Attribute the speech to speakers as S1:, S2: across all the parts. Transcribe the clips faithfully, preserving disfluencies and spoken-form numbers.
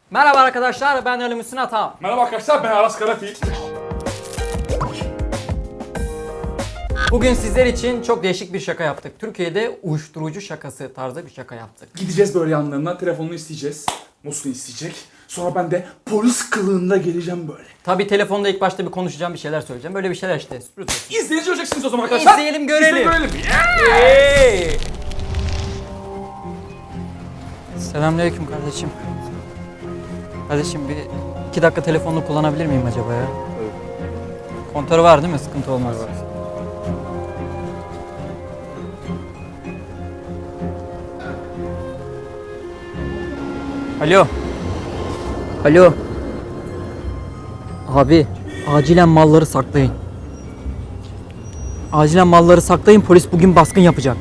S1: Merhaba arkadaşlar, ben Ali Müslüm Atam.
S2: Merhaba arkadaşlar, ben Aras Karafil.
S1: Bugün sizler için çok değişik bir şaka yaptık. Türkiye'de uyuşturucu şakası tarzı bir şaka yaptık.
S2: Gideceğiz böyle yanlarına, telefonunu isteyeceğiz. Muslu isteyecek. Sonra ben de polis kılığında geleceğim böyle.
S1: Tabii telefonda ilk başta bir konuşacağım, bir şeyler söyleyeceğim. Böyle bir şeyler işte. Sürpriz olsun.
S2: İzleyici olacaksınız o zaman arkadaşlar.
S1: İzleyelim, görelim.
S2: İzleyelim, görelim.
S1: Hey! Selamünaleyküm kardeşim. Kardeşim bir iki dakika telefonunu kullanabilir miyim acaba ya? Evet. Kontörü var değil mi? Sıkıntı olmaz. Evet. Alo. Alo. Abi, acilen malları saklayın. Acilen malları saklayın, polis bugün baskın yapacak.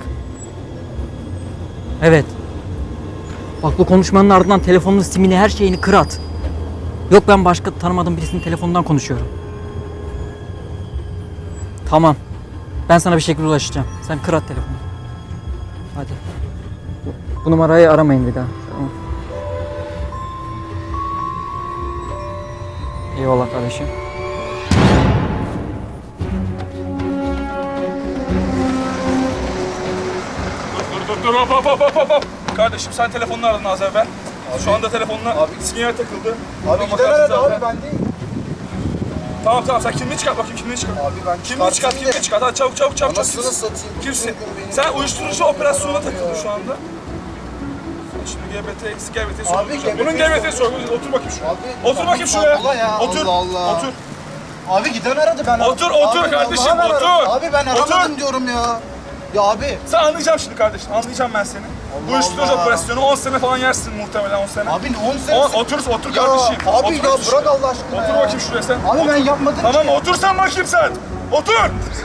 S1: Evet. Bak bu konuşmanın ardından telefonun simini, her şeyini kır at. Yok ben başka tanımadığım birisinin telefonundan konuşuyorum. Tamam. Ben sana bir şekilde ulaşacağım. Sen kır at telefonu. Hadi. Bu numarayı aramayın bir daha. Tamam. Eyvallah kardeşim.
S2: Dur dur dur hop hop hop hop hop. Kardeşim sen telefonunu aradın az evvel. Şu anda telefonuna
S3: Abi.
S2: sinyal takıldı.
S3: Abi
S2: Tamam,
S3: gider
S2: bakarsın
S3: aradı
S2: zaten.
S3: abi ben değil.
S2: Tamam tamam sen kimliği çıkart bakayım kimliği çıkart.
S3: Abi ben
S2: Kimliği çıkart
S3: çıkartayım
S2: kimliği
S3: de.
S2: çıkart. Hadi çabuk çabuk çabuk.
S3: Anasını
S2: çabuk.
S3: satayım.
S2: Kimsin?
S3: Bütün gün benim
S2: Sen
S3: telefonum
S2: uyuşturucu
S3: ya.
S2: operasyonuna takıldın
S3: Ya.
S2: şu anda. Sen şimdi G B T eksi G B T
S3: Abi,
S2: sorgulayacağım.
S3: G B T
S2: Bunun G B T sorgulayacağım. Otur bakayım şuraya.
S3: Abi,
S2: Otur bakayım
S3: Allah
S2: şuraya.
S3: ya,
S2: Otur.
S3: Allah Allah.
S2: Otur.
S3: Abi giden aradı ben
S2: Otur,
S3: aradım.
S2: otur
S3: Abi,
S2: kardeşim,
S3: vallahi ben
S2: otur.
S3: aradım. Abi ben
S2: Otur.
S3: aramadım diyorum ya. Ya abi.
S2: Sen anlayacağım şimdi kardeşim. Anlayacağım ben seni. Bu uyuşturucu
S3: Allah.
S2: operasyonu on sene falan yersin muhtemelen on sene.
S3: Abi on sene.
S2: O, otur otur
S3: Ya,
S2: kardeşim.
S3: abi
S2: otur
S3: ya,
S2: şuraya.
S3: bırak Allah aşkına
S2: Otur
S3: ya.
S2: bakayım şuraya sen.
S3: Abi
S2: Otur.
S3: ben yapmadım
S2: Tamam
S3: ki.
S2: otur sen bakayım sen. Otur.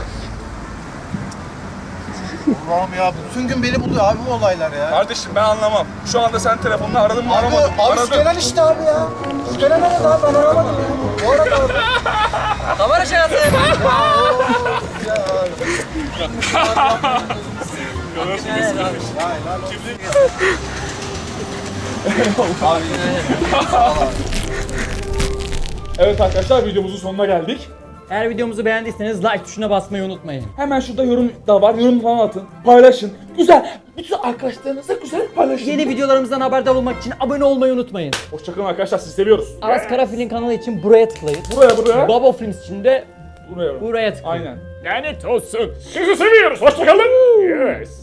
S3: Allah'ım ya bütün gün beni buluyor abi bu olaylar ya.
S2: Kardeşim ben anlamam. Şu anda sen telefonunu aradın mı
S3: Abi,
S2: aramadın mı?
S3: abi
S2: Aradın.
S3: Şükenen işte abi ya. Şükenen aradı abi ben aramadım ya. Bu arada abi.
S1: Kamera şakası.
S2: Evet arkadaşlar videomuzun sonuna geldik.
S1: Eğer videomuzu beğendiyseniz like tuşuna basmayı unutmayın.
S2: Hemen şurada yorum da var. Yorum falan atın. Paylaşın. Güzel. Bütün arkadaşlarınızla güzel paylaşın.
S1: Yeni videolarımızdan haberdar olmak için abone olmayı unutmayın.
S2: Hoşçakalın arkadaşlar. Sizi seviyoruz.
S1: Aras Karafil'in kanalı için buraya tıklayın.
S2: Buraya buraya.
S1: Babo Films için de
S2: Buraya.
S1: buraya tıklayın.
S2: Aynen. Lanet olsun. Sizi seviyoruz. Hoşçakalın. Yes.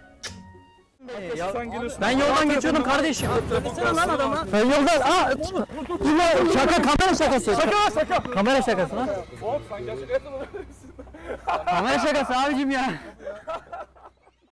S2: Sen geliyorsun.
S1: Ben yoldan geçiyordum kardeşim. Söylesene lan adama. Ben yoldan. Aa, bunlar şaka, kamera şakası.
S2: Şaka şaka.
S1: Kamera şakası lan.
S2: Hop sen gerçekten
S1: Kamera şakası abicim ya.